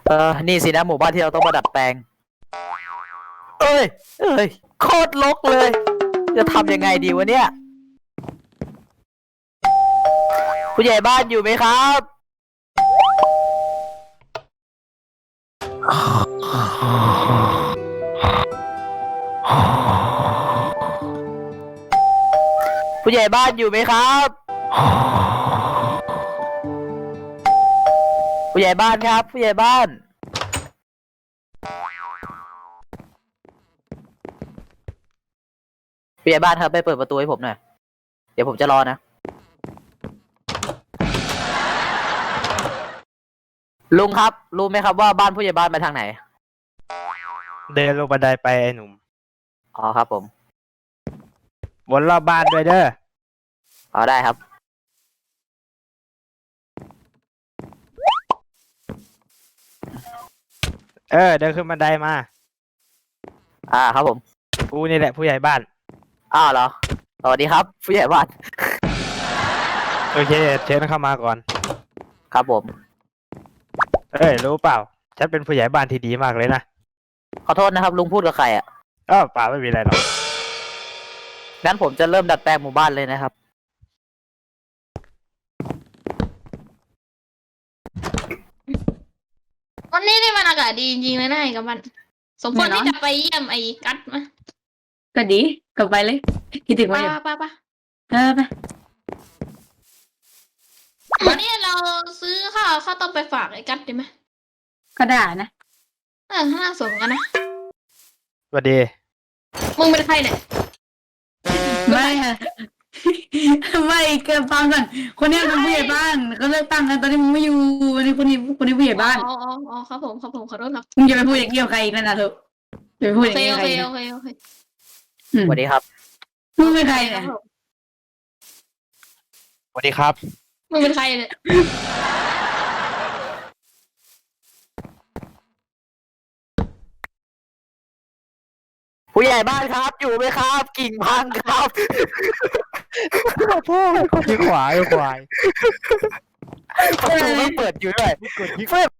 นี่สินะหมู่บ้านที่เราต้องมาดัดแปลงเอ้ยโคตรรกเลย จะทำยังไงดีวะเนี่ยผู้ใหญ่บ้านอยู่ไหมครับผู้ใหญ่บ้านอยู่ไหมครับผู้ใหญ่บ้านครับผู้ใหญ่บ้านผู้ใหญ่บ้านครับไปเปิดประตูให้ผมหน่อยเดี๋ยวผมจะรอนะลุงครับรู้ไหมครับว่าบ้านผู้ใหญ่บ้านไปทางไหนเดินลงบันไดไปไอ้หนุ่มอ๋อครับผมวนรอบบ้านด้วยเด้ออ๋อได้ครับเดินขึ้นบันไดมาครับผมกูนี่แหละผู้ใหญ่บ้านเหรอสวัสดีครับผู้ใหญ่บ้านโอเคเชิญเข้ามาก่อนครับผมรู้เปล่าฉันเป็นผู้ใหญ่บ้านที่ดีมากเลยนะขอโทษนะครับลุงพูดกับใครเปล่าไม่มีอะไรหรอกงั้นผมจะเริ่มดัดแปลงหมู่บ้านเลยนะครับวันนี้นี่มันอากาศดีจริงๆเลยนะไอ้กับมันสมควรที่จะไปเยี่ยมไอ้กัดไหมก็ดีกลับไปเลยคิดถึงไปว่าอยู่ไปไปไปวันนี้เราซื้อข้าวต้มไปฝากไอ้กัดดีไหมก็ได้นะน่าสนกันนะสวัสดีมึงเป็นใครเนี่ยไม่ค่ะ ไม่เกินฟังก่อนคนนี้เป็นผู้ใหญ่บ้านเขาเลิกตั้งกันตอนนี้มึงไม่อยู่วันนี้คนนี้ผู้ใหญ่บ้านอ๋อครับผมขอโทษครับมึงอย่าไปพูดอย่างเกี่ยวใครอีกนะเถอะอย่าไปพูดอย่างเกี่ยวใครโอเคสวัสดีครับมึงเป็นใครเนี่ยสวัสดีครับมึงเป็นใครเนี่ยผู้ใหญ่บ้านครับอยู่ไหมครับกิ่งพังครับพ่อคนที่ขวายประตูไม่เปิดอยู่ด้วย